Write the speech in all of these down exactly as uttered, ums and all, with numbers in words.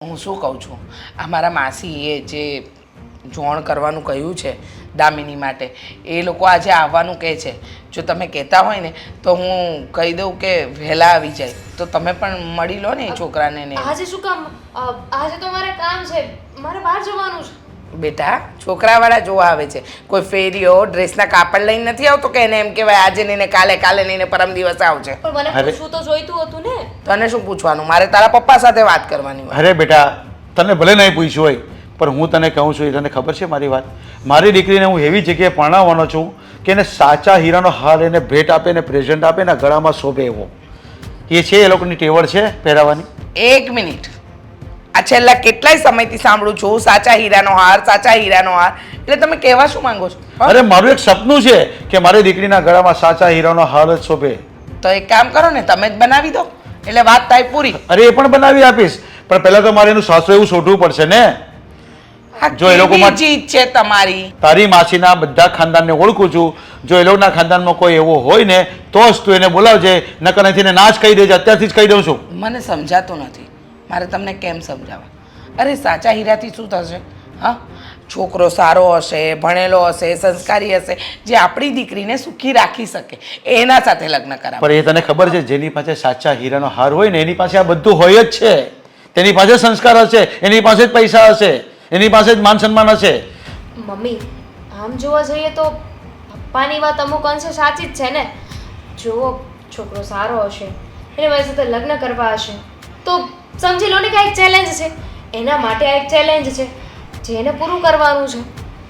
હું શું કહું છું, આ મારા માસીએ જે જોણ કરવાનું કહ્યું છે દામિની માટે, એ લોકો આજે આવવાનું કહે છે. જો તમે કહેતા હોય ને તો હું કહી દઉં કે વહેલા આવી જાય, તો તમે પણ મળી લો ને એ છોકરાને ને. આજે શું કામ? આજે તો મારે કામ છે, મારે બહાર જવાનું છે. બેટા, છોકરાવાળા જોવા આવે છે, કોઈ ફેરીઓ ડ્રેસના કાપડ લઈને નથી આવતો કે એને એમ કહેવાય આજે નહીં ને કાલે, કાલે નહીં ને પરમ દિવસ આવશે. પણ મને પૂછવું તો જોઈતું હતું ને. તને શું પૂછવાનું? મારે તારા પપ્પા સાથે વાત કરવાની હોય. અરે બેટા, તને ભલે નહીં પૂછ્યું હોય, પણ હું તને કહું છું, એ તને ખબર છે મારી વાત. મારી દીકરીને હું એવી જગ્યાએ પરણાવવાનો છું કે એને સાચા હીરાનો હાર એને ભેટ આપે ને પ્રેઝન્ટ આપે ને ગળામાં શોભે એવો. એ છે એ લોકોની ટેવડ છે પહેરાવાની. એક મિનિટ, આ છેલ્લા કેટલાય સમયથી સાંભળું છું સાચા હીરાનો હાર, સાચા હીરાનો હાર. એટલે તમે કહેવા શું માંગો છો? અરે મારું એક સપનું છે કે મારી દીકરીના ગળામાં સાચા હીરાનો હાર જ શોભે. તો એક કામ કરો ને, તમે જ બનાવી દો એટલે વાત થાય પૂરી. અરે એ પણ બનાવી આપીશ, પણ પહેલા તો મારે એનું સાસુ એવું શોધવું પડશે ને. જો એ લોકો જીત છે તમારી. તારી માસીના બધા ખાનદાનને ઓળખું છું. જો એ લોકોના ખાનદાનમાં કોઈ એવો હોય ને તો જ તું એને બોલાવજે, નકર નથી ને ના જ કહી દેજે. અત્યારથી જ કહી દઉં છું. મને સમજાતું નથી, મારે તમને કેમ સમજાવવા? અરે સાચા હીરાથી શું થશે? હા, છોકરો સારો હશે, ભણેલો હશે, સંસ્કારી હશે, જે આપણી દીકરીને સુખી રાખી શકે, એના સાથે લગ્ન કરાવો. પણ એ તને ખબર છે, જેની પાસે સાચા હીરાનો હાર હોય ને એની પાસે આ બધું હોય જ છે. તેની પાસે સંસ્કાર હશે, એની પાસે જ પૈસા હશે, એની પાસે જ માન સન્માન હશે. મમ્મી, આમ જોવા જઈએ તો પપ્પાની વાત અમુક અંશે સાચી જ છે ને. જો છોકરો સારો હશે, એને મારી સાથે લગ્ન કરવા હશે, તો સમજી લો ને કે આ એક ચેલેન્જ છે. એના માટે આ એક ચેલેન્જ છે જે એને પૂરું કરવાનું છે.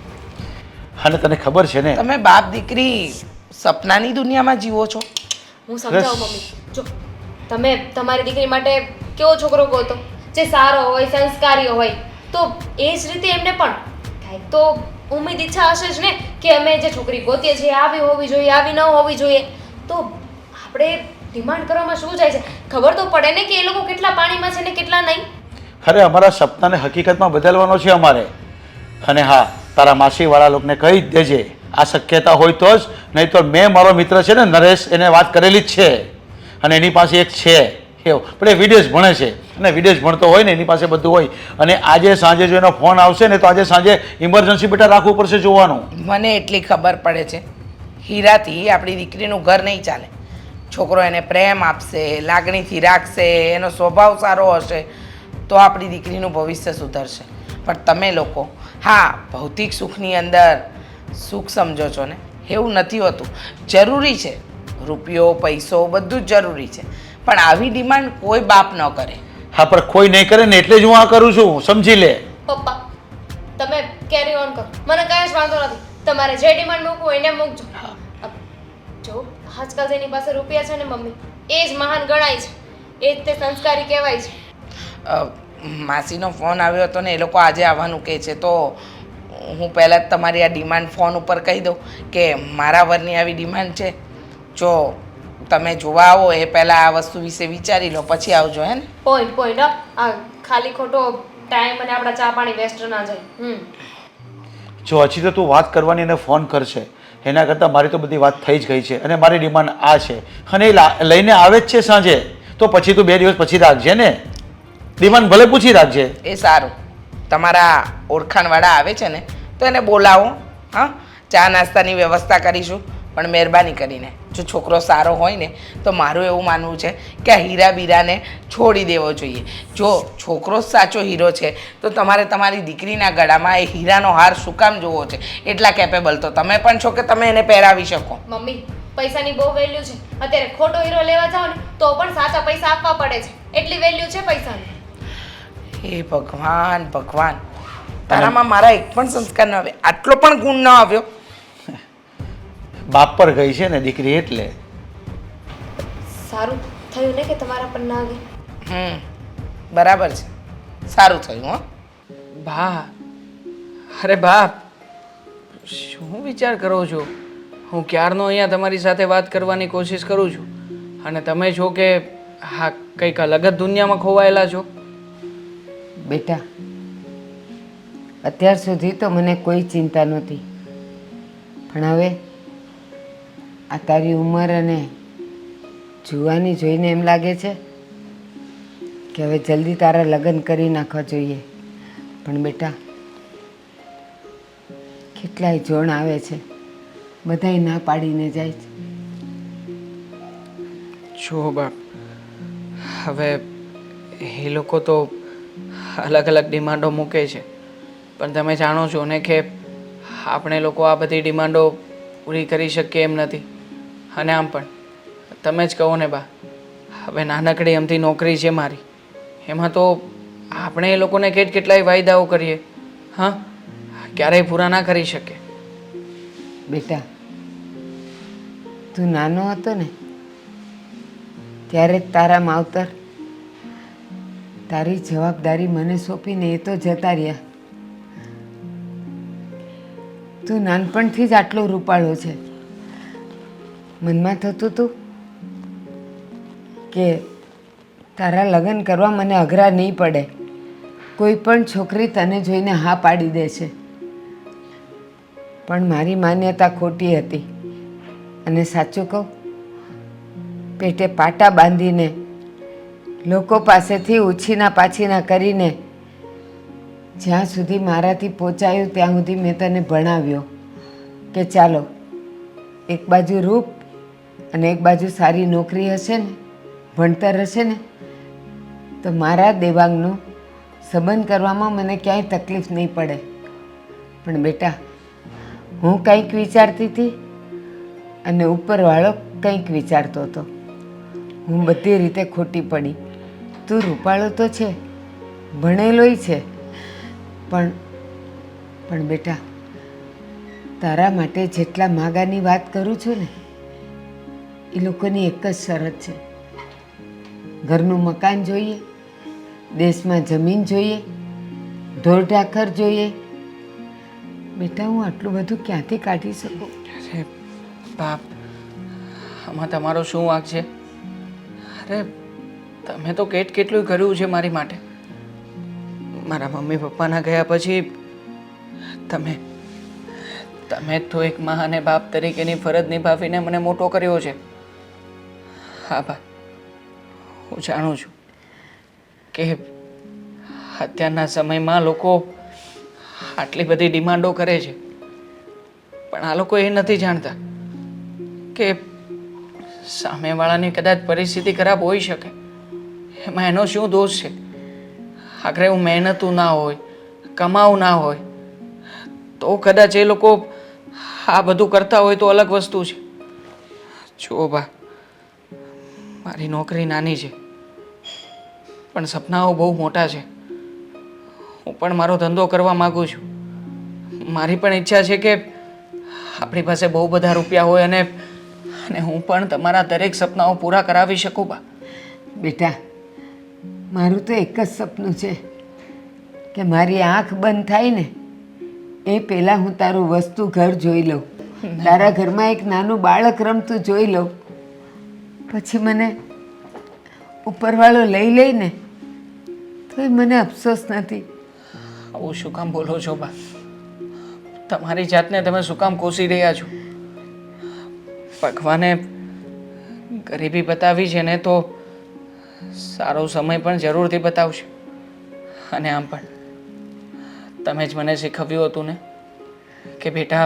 અને તને ખબર છે ને, તમે બાપ દીકરી સપનાની દુનિયામાં જીવો છો. હું સમજાવું મમ્મી. જો તમે તમારી દીકરી માટે કેવો છોકરો ગોતો જે સારો હોય, સંસ્કારી હોય, તો એ જ રીતે એમને પણ કાંઈક તો ઉમ્મીદ ઈચ્છા હશે જ ને કે અમે જે છોકરી ગોતીએ છીએ આવી હોવી જોઈએ, આવી ન હોવી જોઈએ. તો આપણે ડિમાન્ડ કરવામાં શું જાય છે? ખબર તો પડે ને કે એ લોકો કેટલા પાણીમાં છે ને કેટલા નહીં. અરે અમારા સપનાને હકીકતમાં બદલવાનો છે અમારે. અને હા, તારા માસીવાળા લોકોને કહી જ દેજે આ શક્યતા હોય તો જ, નહીં તો મેં મારો મિત્ર છે ને નરેશ, એને વાત કરેલી જ છે. અને એની પાસે એક છે એવું, પણ એ વિદેશ ભણે છે અને વિદેશ ભણતો હોય ને એની પાસે બધું હોય. અને આજે સાંજે જો એનો ફોન આવશે ને તો આજે સાંજે ઇમરજન્સી બેટા રાખવું પડશે જોવાનું. મને એટલી ખબર પડે છે, હીરાથી આપણી દીકરીનું ઘર નહીં ચાલે. છોકરો એને પ્રેમ આપશે, લાગણીથી રાખશે, એનો સ્વભાવ સારો હશે તો આપણી દીકરીનું ભવિષ્ય સુધરશે. પણ તમે લોકો હા ભૌતિક સુખની અંદર સુખ સમજો છો ને, એવું નથી હોતું. જરૂરી છે, રૂપિયો પૈસો બધું જ જરૂરી છે, પણ આવી ડિમાન્ડ કોઈ બાપ ન કરે. હા, પણ કોઈ નહીં કરે ને એટલે જ હું આ કરું છું, સમજી લે. પપ્પા, તમે કેરી ઓન કરો, મને કાંઈ જ વાંધો નથી. તમારે જે ડિમાન્ડ મૂકવું હોય એને મૂકજો. જો આજકાલ જેની પાસે રૂપિયા છે ને મમ્મી, એ જ મહાન ગણાય છે, એ જ તે સંસ્કારી કહેવાય છે. માસીનો ફોન આવ્યો હતો ને એ લોકો આજે આવવાનું કહે છે, તો હું પહેલાં જ તમારી આ ડિમાન્ડ ફોન ઉપર કહી દઉં કે મારા વરની આવી ડિમાન્ડ છે. જો તમે જોવા આવો એ પહેલાં આ વસ્તુ વિશે વિચારી લો, પછી આવજો. હે ને? પોઈન્ટ પોઈન્ટ આ ખાલી ખોટો ટાઈમ અને આપણા ચા પાણી વેસ્ટ ના જાય. હમ જો હજી તો તું વાત કરવાની અને ફોન કરશે, એના કરતાં મારી તો બધી વાત થઈ જ ગઈ છે. અને મારી ડિમાન્ડ આ છે, અને એ લઈને આવે જ છે સાંજે, તો પછી તું બે દિવસ પછી રાખજે ને. ડિમાન્ડ ભલે પૂછી રાખજે. એ સારું. તમારા ઓળખાણવાળા આવે છે ને તો એને બોલાવો. હા, ચા નાસ્તાની વ્યવસ્થા કરીશું, પણ મહેરબાની કરીને જો છોકરો સારો હોય ને તો મારું એવું માનવું છે કે આ હીરા બીરાને છોડી દેવો જોઈએ. જો છોકરો જ સાચો હીરો છે તો તમારે તમારી દીકરીના ગળામાં એ હીરાનો હાર શું કામ જોવો છે? એટલા કેપેબલ તો તમે પણ છો કે તમે એને પહેરાવી શકો. મમ્મી, પૈસાની બહુ વેલ્યુ છે. અત્યારે ખોટો હીરો લેવા જાઓ ને તો પણ સાચા પૈસા આપવા પડે છે, એટલી વેલ્યુ છે પૈસાની. હે ભગવાન ભગવાન, તારામાં મારા એક પણ સંસ્કાર ન આવે, આટલો પણ ગુણ ન આવ્યો. બાપ પર ગઈ છે ને દીકરી એટલે. સારું થયું ને કે તમારા પર ના આવી. હમ બરાબર છે, સારું થયું. હો બા, અરે બાપ, શું વિચાર કરો છો? હું ક્યારનો અહીંયા તમારી સાથે વાત કરવાની કોશિશ કરું છું અને તમે છો કે હા કંઈક અલગ જ દુનિયામાં ખોવાયેલા છો. બેટા, અત્યાર સુધી તો મને કોઈ ચિંતા નહોતી, પણ હવે આ તારી ઉંમર અને જુવાની જોઈને એમ લાગે છે કે કે હવે જલ્દી તારા લગ્ન કરી નાખવા જોઈએ, પણ બેટા કેટલાય જોણ આવે છે, બધાય ના પાડીને જાય છે. જો બાપ, હવે એ લોકો તો અલગ અલગ ડિમાન્ડો મૂકે છે, પણ તમે જાણો છો ને કે આપણે લોકો આ બધી ડિમાન્ડો પૂરી કરી શકીએ એમ નથી. અને આમ પણ તમે જ કહો ને બા, હવે નાનકડી અમથી નોકરી છે મારી, એમાં તો આપણે એ લોકોને કેટ કેટલાય વાયદાઓ કરીએ, હા, ક્યારેય પૂરા ના કરી શકે. બેટા તું નાનો હતો ને ત્યારે જ તારા માવતર તારી જવાબદારી મને સોંપીને એ તો જતા રહ્યા. તું નાનપણથી જ આટલો રૂપાળો છે. મનમાં થતું હતું કે તારા લગ્ન કરવા મને અઘરા નહીં પડે, કોઈ પણ છોકરી તને જોઈને હા પાડી દે છે. પણ મારી માન્યતા ખોટી હતી, અને સાચું કહું, પેટે પાટા બાંધીને લોકો પાસેથી ઉછીના પાછીના કરીને જ્યાં સુધી મારાથી પહોંચાયું ત્યાં સુધી મેં તને ભણાવ્યો કે ચાલો એક બાજુ રૂપ અને એક બાજુ સારી નોકરી હશે ને, ભણતર હશે ને, તો મારા દેવાંગનો સંબંધ કરવામાં મને ક્યાંય તકલીફ નહીં પડે. પણ બેટા હું કંઈક વિચારતી હતી અને ઉપરવાળો કંઈક વિચારતો હતો. હું બધી રીતે ખોટી પડી. તું રૂપાળો તો છે, ભણેલોય છે, પણ પણ બેટા તારા માટે જેટલા માગાની વાત કરું છું ને, એ લોકોની એક જ શરત છે, ઘરનું મકાન જોઈએ, દેશમાં જમીન જોઈએ, ઢોર ઢાખર જોઈએ. બેટા હું આટલું બધું ક્યાંથી કાઢી શકું? અરે બાપ, આમાં તમારો શું વાંક છે? અરે તમે તો કેટ કેટલું કર્યું છે મારી માટે. મારા મમ્મી પપ્પાના ગયા પછી તમે તમે તો એક મા અને બાપ તરીકેની ફરજ નિભાવીને મને મોટો કર્યો છે. હા બા, હું જાણું છું કે અત્યારના સમયમાં લોકો આટલી બધી ડિમાન્ડો કરે છે, પણ આ લોકો એ નથી જાણતા કે સામેવાળાની કદાચ પરિસ્થિતિ ખરાબ હોઈ શકે, એમાં એનો શું દોષ છે? આખરે હું મહેનતું ના હોય, કમાવું ના હોય, તો કદાચ એ લોકો આ બધું કરતા હોય તો અલગ વસ્તુ છે. જુઓ બા, મારી નોકરી નાની છે, પણ સપનાઓ બહુ મોટા છે. હું પણ મારો ધંધો કરવા માગું છું. મારી પણ ઈચ્છા છે કે આપણી પાસે બહુ બધા રૂપિયા હોય અને અને હું પણ તમારા દરેક સપનાઓ પૂરા કરાવી શકું. બા બેટા મારું તો એક જ સપનું છે કે મારી આંખ બંધ થાય ને એ પહેલાં હું તારું વસ્તુ ઘર જોઈ લઉં, તારા ઘરમાં એક નાનું બાળક રમતું જોઈ લઉં, પછી મને ઉપરવાળો લઈ લઈને તો મને અફસોસ નથી. આવું શું કામ બોલો છો બા? તમારી જાતને તમે શું કામ કોસી રહ્યા છો? ભગવાને ગરીબી બતાવી છે ને તો સારો સમય પણ જરૂરથી બતાવશે. અને આમ પણ તમે જ મને શીખવ્યું હતું ને કે બેટા,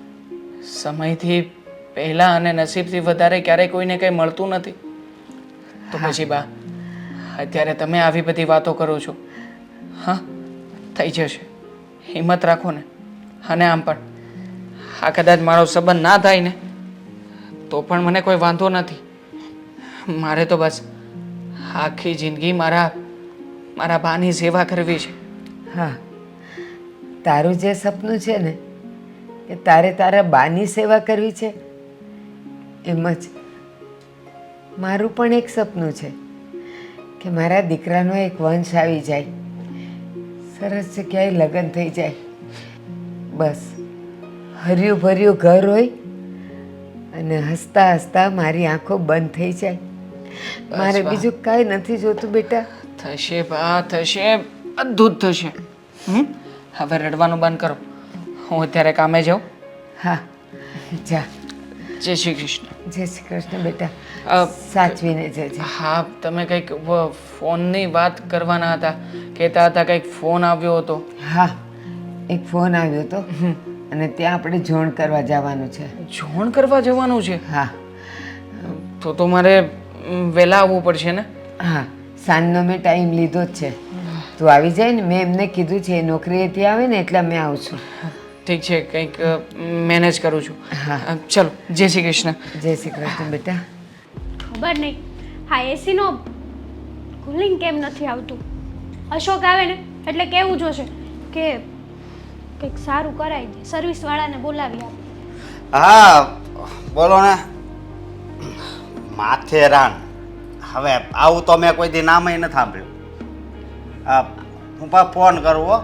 સમયથી પહેલાં અને નસીબથી વધારે ક્યારેય કોઈને કંઈ મળતું નથી. તો પછી બા, અત્યારે તમે આવી બધી વાતો કરો છો. હા, થઈ જશે, હિંમત રાખો ને. અને આમ પણ આ કદાચ મારો સંબંધ ના થાય ને તો પણ મને કોઈ વાંધો નથી. મારે તો બસ આખી જિંદગી મારા મારા બાની સેવા કરવી છે. હા, તારું જે સપનું છે ને કે તારે તારા બાની સેવા કરવી છે, એમ જ મારું પણ એક સપનું છે કે મારા દીકરાનો એક વંશ આવી જાય, સરસ જગ્યાએ લગ્ન થઈ જાય, બસ હર્યું ભર્યું ઘર હોય અને હસતા હસતા મારી આંખો બંધ થઈ જાય. મારે બીજું કાંઈ નથી જોતું બેટા. થશે બા, થશે, બધું જ થશે. હમ હવે રડવાનું બંધ કરો, હું અત્યારે કામે જાઉં. હા જા. જય શ્રી કૃષ્ણ. જય શ્રી કૃષ્ણ બેટા. અ, સાચવીને જજે. હા તમે કંઈક વ- ફોનની વાત કરવાના હતા, કહેતા હતા કંઈક ફોન આવ્યો હતો. હા, એક ફોન આવ્યો હતો અને ત્યાં આપણે જોણ કરવા જવાનું છે. જોણ કરવા જવાનું છે? હા તો તો મારે ઉમ, વહેલા આવવું પડશે ને? હા, સાંજનો મેં ટાઈમ લીધો જ છે. તું આવી જાય ને, મેં એમને કીધું છે એ નોકરીએથી આવે ને એટલે મેં આવું છું. ઠીક છે, કંઈક મેનેજ કરું છું. હા. અ, ચલો જય શ્રી કૃષ્ણ. જય શ્રી કૃષ્ણ બેટા. ખબર નહીં હા એસીનો કુલિંગ કેમ નથી આવતું. અશોક આવે ને એટલે કેવું જોશે કે કંઈક સારું કરાવી દે, સર્વિસવાળાને બોલાવી આપે. હા બોલો ને. માથેરાન. હવે આવું તો મેં કોઈ દી નામય નથી સાંભળ્યું. હા હું પા ફોન કરું હો.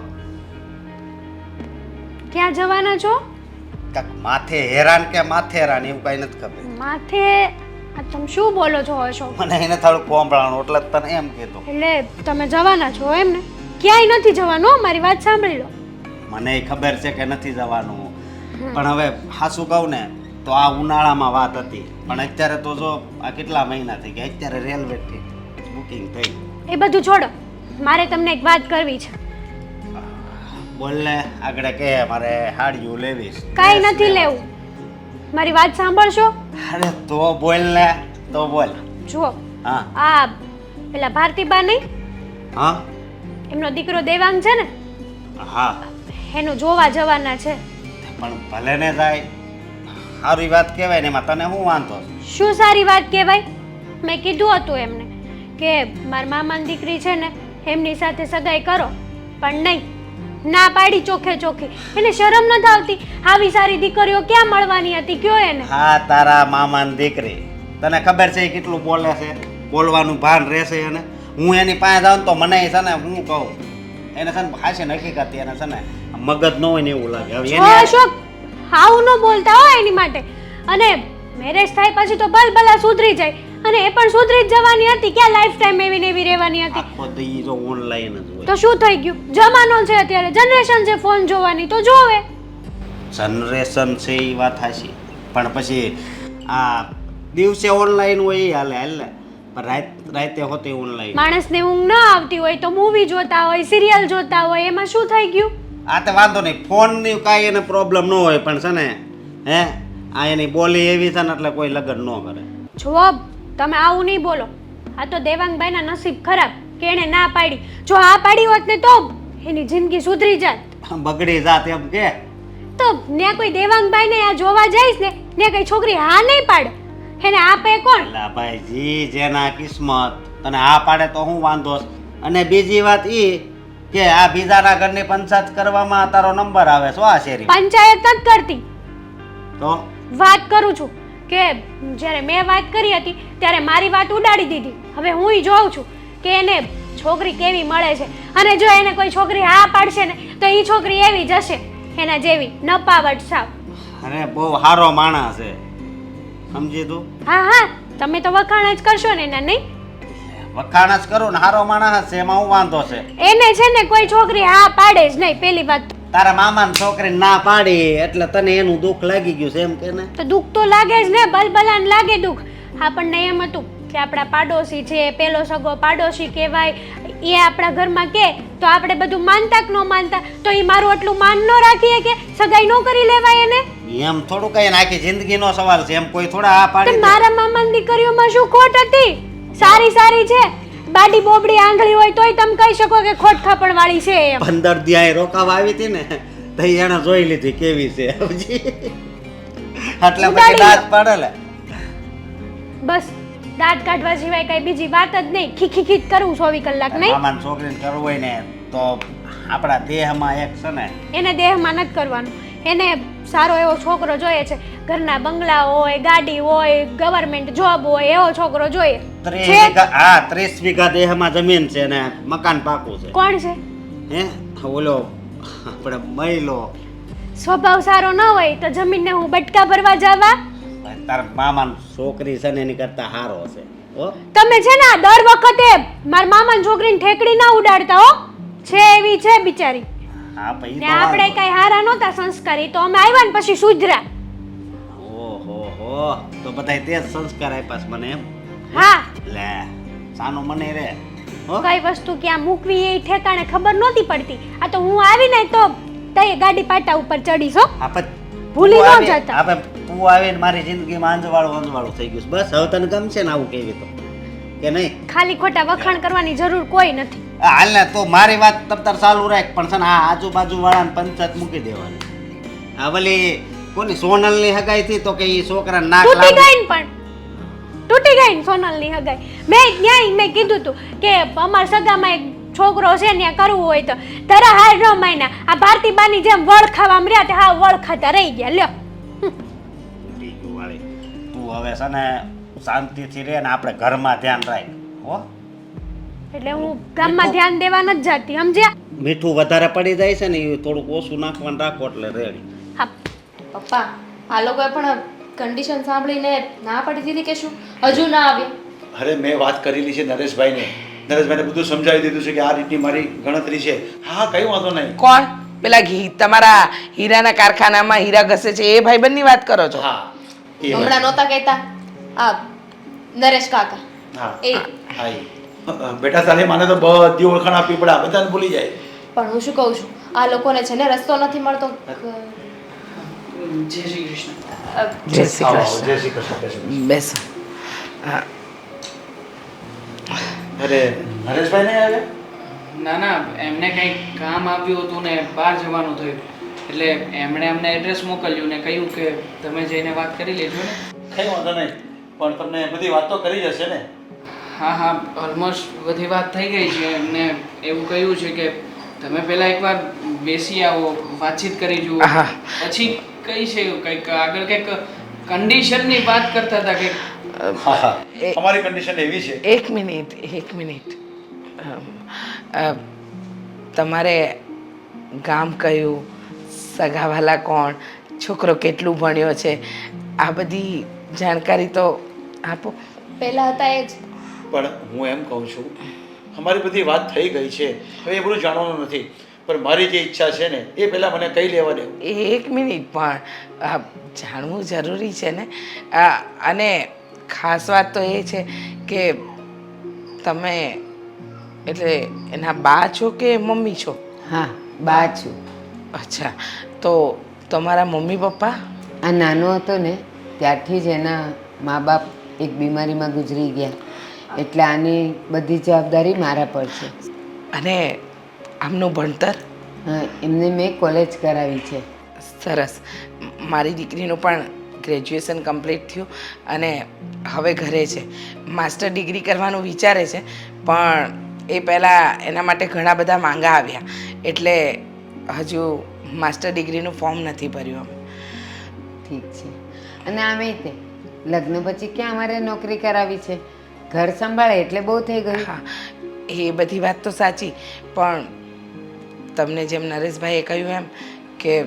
ક્યાં જવાના છો? કાંઈક માથે હેરાન કે માથેરાન એવું કાંઈ નથી ખબર. માથે આ તમે શું બોલો છો અશોક? મને એને થોડું કોંભળાણું એટલે જ તને એમ કીધું. એટલે તમે જવાના છો એમ ને? ક્યાંય નથી જવાનું હો, મારી વાત સાંભળી લો. મને ખબર છે કે નથી જવાનું, પણ હવે હાસું કહું ને તો આ ઉનાળામાં વાત હતી, પણ અત્યારે તો જો આ કેટલા મહિના થઈ ગયા, અત્યારે રેલવે બુકિંગ થઈ. એ બધું છોડો, મારે તમને એક વાત કરવી છે. બોલ ને આગળ કે મારે હાડિયું લેવીશ. કાંઈ નથી લેવું, મારી વાત સાંભળશો? અરે તો બોલ ને, તો બોલ. જુઓ હા આ પેલા ભારતીબા નહીં, હા એમનો દીકરો દેવાંગ છે ને, હા એનું જોવા જવાના છે. પણ ભલે ને જાય, સારી વાત કહેવાય ને, એમાં તને શું વાંધો? શું સારી વાત કહેવાય? મેં કીધું હતું એમને કે મારા મામાની દીકરી છે ને એમની સાથે સગાઈ કરો, પણ નહીં, ના પાડી ચોખે ચોખી. એને શરમ નથી આવતી? આવી સારી દીકરીઓ ક્યાં મળવાની હતી કયો એને? હા તારા મામાની દીકરી, તને ખબર છે એ કેટલું બોલે છે? બોલવાનું ભાન રહેશે એને? હું એની પાસે જાઉં તો મને છે ને હું કહું એને છે ને હાશે હકીકત એને છે ને મગજ ન હોય ને એવું લાગે. હવે જો એની અશોક આવું ન બોલતા હો એની માટે. અને મેરેજ થાય પછી તો ભલભલા સુધરી જાય, અને એ પણ સુધરી જ જવાની હતી. ક્યાં લાઈફ ટાઈમ એવી ને એવી રહેવાની હતી? આખો દી જો ઓનલાઈન જ હોય. તો શું થઈ ગયું? જમાનો છે અત્યારે, જનરેશન છે ફોન જોવાની, તો જોવે. જનરેશન છે એ વાત હાશી, પણ પછી આ દિવસે ઓનલાઈન હોય એ હાલે હાલે, પણ રાત રાતે હોતી ઓનલાઈન. માણસને ઊંઘ ના આવતી હોય તો મૂવી જોતા હોય, સિરિયલ જોતા હોય, એમાં શું થઈ ગયું? આ તો વાંધો નહીં, ફોનની કાંઈ એને પ્રોબ્લેમ ન હોય, પણ છે ને હે આ એની બોલી એવી છે ને એટલે કોઈ લગ્ન ન કરે. જુઓ તમે આવું નહીં બોલો. આ તો દેવાંગભાઈના નસીબ ખરાબ કે એણે ના પાડી. જો હા પાડી હોત ને તો એની જિંદગી સુધરી જાત. બગડી જાત એમ કે. તો ને કોઈ દેવાંગભાઈને આ જોવા જઈશ ને ને કઈ છોકરી હા નહીં પાડે, એને આપે કોણ? અલા ભાઈ જી જેના કિસ્મત, તને આ પાડે તો હું વાંધો છે? અને બીજી વાત ઈ કે આ બીજાના ઘરની પંચાયત કરવામાં તારો નંબર આવે છો આ શેરી પંચાયત નથી કરતી, તો વાત કરું છું કે જ્યારે મેં વાત કરી હતી ત્યારે મારી વાત ઉડાડી દીધી. હવે હું જોઉં છું કે એને છોકરી કેવી મળે છે, અને જો એને કોઈ છોકરી હા પાડશે ને તો એ છોકરી એવી જશે એના જેવી નપાવટ સાવ. અરે બહુ સારો માણસ છે, સમજી તું? હા હા તમે તો વખાણ જ કરશો ને એના, નહીં? વખાણ જ કરું ને, સારો માણસ છે એમાં હું વાંધો છે? એને છે ને કોઈ છોકરી હા પાડે જ નહીં. પેલી વાત તારા મામાની છોકરીને ના પાડી એટલે તને એનું દુઃખ લાગી ગયું છે એમ કે ને? તો દુઃખ તો લાગે જ ને, બલબલાને લાગે દુઃખ. આપણને એમ હતું કે આપણા પાડોશી છે, પેલો સગો પાડોશી કહેવાય, એ આપણા ઘરમાં કે તો આપણે બધું માનતા કે ન માનતા? તો એ મારું એટલું માન ન રાખીએ કે સગાઈ ન કરી લેવાય એને? એમ થોડું કઈ આખી જિંદગીનો સવાલ છે, એમ કોઈ થોડા આ તો પાડી દે? મારા મામાની દીકરીઓમાં શું ખોટ હતી? સારી સારી છે, બાડી બોબડી આંગળી હોય તોય તમે કહી શકો કે ખોટ ખાપણ વાળી છે એમ. પંદર દિયા રોકાવા આવી હતી ને તો એને જોઈ લીધી કેવી છે સમજી? એટલે પછી દાંત પાડે લે. બસ દાંત કાઢવા સિવાય કઈ બીજી વાત જ નહીં. ખીખી ખીચ કરવું ચોવીસ કલાક નહીં. મામાને છોકરીને કરવું હોય ને તો આપણા દેહમાં એક છે ને, એને દેહમાં નથી કરવાનું. એને સારો એવો છોકરો જોઈએ છે, ઘરના બંગલા હોય, ગાડી હોય, ગવર્મેન્ટ જોબ હોય, એવો છોકરો જોઈએ ત્રીસ છે. વીઘા હા ત્રીસ વીઘા દેહમાં જમીન છે ને મકાન પાકું છે. કોણ છે? હે ઓલો આપણે મહિલો. સ્વભાવ સારો ન હોય તો જમીનને હું બટકા ભરવા જવા? તારા મામાની છોકરી છે ને એની કરતા હારો છે હો. તમે છે ને આ દર વખતે મારા મામાની છોકરીને ઠેકડી ના ઉડાડતા હો. છે એવી છે બિચારી. હા પછી ને આપણે કઈ હારા નહોતા સંસ્કારી, તો અમે આવ્યા ને પછી સુધરા. ઓહો હો ઓહ તો બધાય તે જ સંસ્કાર આપ્યા છે મને એમ હા લે સાનું મને રે હો કઈ વસ્તુ ક્યાં મૂકવી એ ઠેકાણે ખબર નહોતી પડતી. આ તો હું આવીને તો તઈ ગાડી પાટા ઉપર ચડીશ હો. આપણે ભૂલી ન જતા. આપણે તું આવીને મારી જિંદગીમાં અંજવાળું અંજવાળું થઈ ગયું છે. બસ હવે તને ગમશે ને આવું કેવી તો કે નહીં? ખાલી ખોટા વખાણ કરવાની જરૂર કોઈ નથી. આ હાલ ને તો મારી વાત તમ તાર ચાલુ રાખ પણ છે ને આ આજુબાજુ વાળાને પંચાયત મૂકી દેવાની. આ વલી કોની સોનલની હગાઈ થી તો કે ઈ છોકરા નાક તૂટી લાંબુ ગઈ ને પણ તૂટી ગઈ ને સોનલની હગાઈ. મેં ન્યાય મેં કીધું તું કે અમાર સગામાં એક છોકરો છે ને કરવું હોય તો તારા હાર ન માયના આ ભારતીબાની જેમ વળ ખાવા રહ્યા તે હા વળ ખાતા રહી ગયા લ્યો. તૂટી ગયું વાળી. તું હવે છે ને શાંતિથી રહે ને આપણે ઘરમાં ધ્યાન રાખ હો. એટલે હું ગામમાં ધ્યાન દેવા નથી જતી સમજ્યા. મીઠું વધારે પડી જાય છે ને એ થોડુંક ઓછું નાખવાનું રાખો એટલે રેડી. હા પપ્પા આ લોકોએ પણ કન્ડિશન સાંભળીને ના પડી દીધી કે શું હજુ ના આવ્યા? અરે મેં વાત કરેલી છે નરેશભાઈને નરેશભાઈને બધું સમજાવી દીધું છે કે આ રીતની મારી ગણતરી છે. હા કઈ વાંધો નહીં. કોણ પેલા ઘી તમારા હીરાના કારખાનામાં હીરા ઘસે છે એ ભાઈબંધની વાત કરો છો? હા એ વાત. હમણાં નહોતા કહેતા આ નરેશ કાકા હા એ હા એ. બેટા તારે માને તો બધી ઓળખાણ આપવી પડે આ બધાને ભૂલી જાય. પણ હું શું કહું છું આ લોકોને છે ને રસ્તો નથી મળતો. જય શ્રી કૃષ્ણ. અ, જય શ્રી આવો, કૃષ્ણ. જય શ્રી કૃષ્ણ જય શ્રી કૃષ્ણ. બેસો. હા, અરે નરેશભાઈ નહીં આવ્યા? ના ના એમને કંઈક કામ આવ્યું હતું ને બહાર જવાનું થયું એટલે એમણે અમને એડ્રેસ મોકલ્યું ને કહ્યું કે તમે જઈને વાત કરી લેજો ને. કઈ વાંધો નહીં પણ તમને બધી વાત તો કરી જશે ને? હા હા ઓલમોસ્ટ બધી વાત થઈ ગઈ છે. એમને એવું કહ્યું છે કે તમે પહેલાં એકવાર બેસી આવો વાતચીત કરી જુઓ હા. પછી કઈ છે કંઈક આગળ કંઈક કન્ડિશનની વાત કરતા હતા કે હા હા એ- અમારી કન્ડિશન એવી છે. એક મિનિટ એક મિનિટ અમ, અ, તમારે ગામ કયું, સગાવાલા કોણ, છોકરો કેટલું ભણ્યો છે, આ બધી જાણકારી તો આપો. પહેલા હતા એ જ પણ હું એમ કહું છું અમારી બધી વાત થઈ ગઈ છે હવે એ બધું જાણવાનું નથી પણ મારી જે ઈચ્છા છે ને એ પહેલાં મને કહી લેવા દે. એક મિનિટ પણ આ જાણવું જરૂરી છે ને. આ, અને ખાસ વાત તો એ છે કે તમે એટલે એના બા છો કે મમ્મી છો? હા બા છું. અચ્છા તો તમારા મમ્મી પપ્પા? આ નાનો હતો ને ત્યારથી જ એના મા બાપ એક બીમારીમાં ગુજરી ગયા એટલે આની બધી જવાબદારી મારા પર છે. અને આમનું ભણતર? હા, એમને મેં કોલેજ કરાવી છે. સરસ. મારી દીકરીનું પણ ગ્રેજ્યુએશન કમ્પ્લીટ થયું અને હવે ઘરે છે. માસ્ટર ડિગ્રી કરવાનું વિચારે છે પણ એ પહેલાં એના માટે ઘણા બધા માંગા આવ્યા એટલે હજુ માસ્ટર ડિગ્રીનું ફોર્મ નથી ભર્યું અમે. ઠીક છે. અને આમે તે લગ્ન પછી ક્યાં અમારે નોકરી કરાવી છે? ઘર સંભાળે એટલે બહુ થઈ ગયું. હા એ બધી વાત તો સાચી પણ તમને જેમ નરેશભાઈએ કહ્યું એમ કે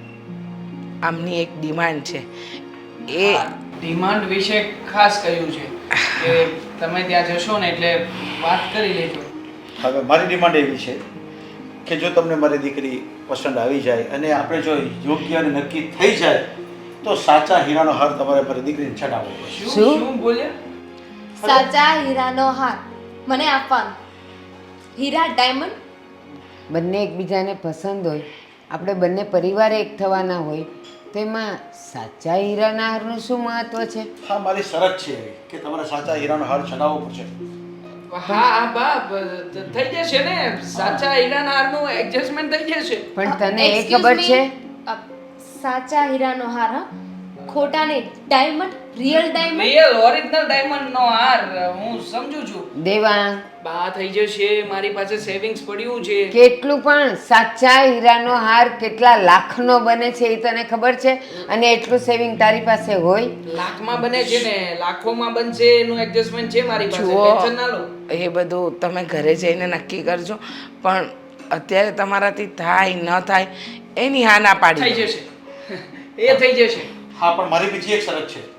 આમની એક ડિમાન્ડ છે એ ડિમાન્ડ વિશે ખાસ કહ્યું છે કે તમે ત્યાં જશો ને એટલે વાત કરી લેજો. હવે મારી ડિમાન્ડ એવી છે કે જો તમને મારી દીકરી પસંદ આવી જાય અને આપણે જો યોગ્ય અને નક્કી થઈ જાય તો સાચા હીરાનો હાર તમારે મારી દીકરીને ચડાવવો પડશે. શું શું? શું બોલ્યા? સાચા હીરાનો હાર મને આપવાનો. હીરા ડાયમંડ બંને એકબીજાને પસંદ હોય આપણે બંને પરિવાર એક થવાના હોય તો એમાં સાચા હીરાના હારનું શું મહત્વ છે? હા મારી શરત છે એવી કે તમારે સાચા હીરાનો હાર ચડાવવો પડશે. હા હા બાપ થઈ જશે ને સાચા હીરાના હારનું એડજસ્ટમેન્ટ થઈ જશે. પણ તને એ Excuse ખબર me, છે અ, સાચા હીરાનો હાર હા ખોટા નહીં diamond real diamond real original diamond નો હાર હું સમજુ છું. દેવાંગ બા થઈ જશે મારી પાસે સેવિંગ્સ પડ્યું છે. કેટલું પણ સાચા હીરાનો હાર કેટલા લાખનો બને છે એ તને ખબર છે? અને એટલું સેવિંગ તારી પાસે હોય? લાખમાં બને છે ને લાખોમાં બનશે એનું એડજસ્ટમેન્ટ છે મારી પાસે જુઓ ટેન્શન ના લો. એ બધું તમે ઘરે જઈને નક્કી કરજો પણ અત્યારે તમારાથી થાય ન થાય એની હા ના થઈ પાડી દો. જશે એ થઈ જશે. હા પણ મારી બીજી એક શરત છે.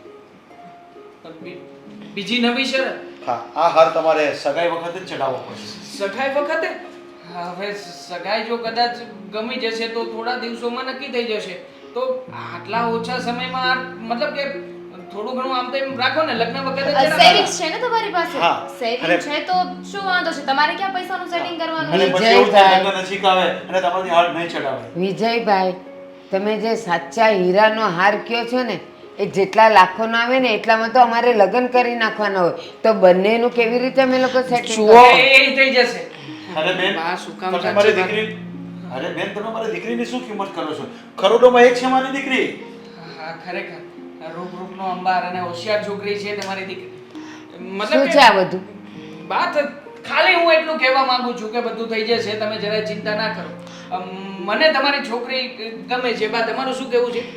બી- બીજી નવી શરત હા આ હાર તમારે સગાઈ વખતે જ ચડાવવો પડશે. સગાઈ વખતે હવે સગાઈ જો કદાચ ગમી જશે તો થોડા દિવસોમાં નક્કી થઈ જશે તો આટલા ઓછા સમયમાં આ- મતલબ કે થોડું ઘણું આમ તેમ રાખો ને લગ્ન વખતે જરા સેવિંગ્સ છે ને તમારી પાસે હા. સેવિંગ અરે. છે તો શું વાંધો છે તમારે ક્યાં પૈસાનું સેવિંગ કરવાનું અને છે? પછી એવું થાય વિજયભાઈ. લગ્ન નજીક આવે અને તમારી હાથ નહીં ચડાવે વિજયભાઈ તમે જે સાચા હીરાનો હાર કયો છો ને એ જેટલા લાખોનો આવે ને એટલામાં તો અમારે લગ્ન કરી નાખવાના હોય તો બંનેનું કેવી રીતે અમે લોકો સેટિંગ જુઓ એ એ થઈ જશે અરે બેન બા, શું કામ તમે સાચી મારી વાત? દીકરી અરે બેન તમે મારી દીકરીની શું કિંમત કરો છો કરોડોમાં એક છે મારી દીકરી હા ખરેખર રૂપ રૂપનો અંબાર અને હોશિયાર છોકરી છે તમારી દીકરી શું છે આ બધું વાત ખાલી હું એટલું કહેવા માંગુ છું કે બધું થઈ જશે તમે જરાય ચિંતા ના કરો અમ, મને તમારી છોકરી ગમે છે બા તમારું શું કહેવું છે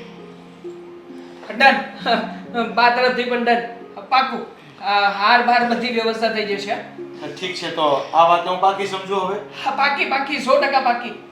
ડન બા તરફથી પણ ડન પાકું આ હાર બાર બધી વ્યવસ્થા થઈ જશે ઠીક છે તો આ વાતને હું બાકી સમજુ હવે હા પાકી પાકી સો ટકા પાકી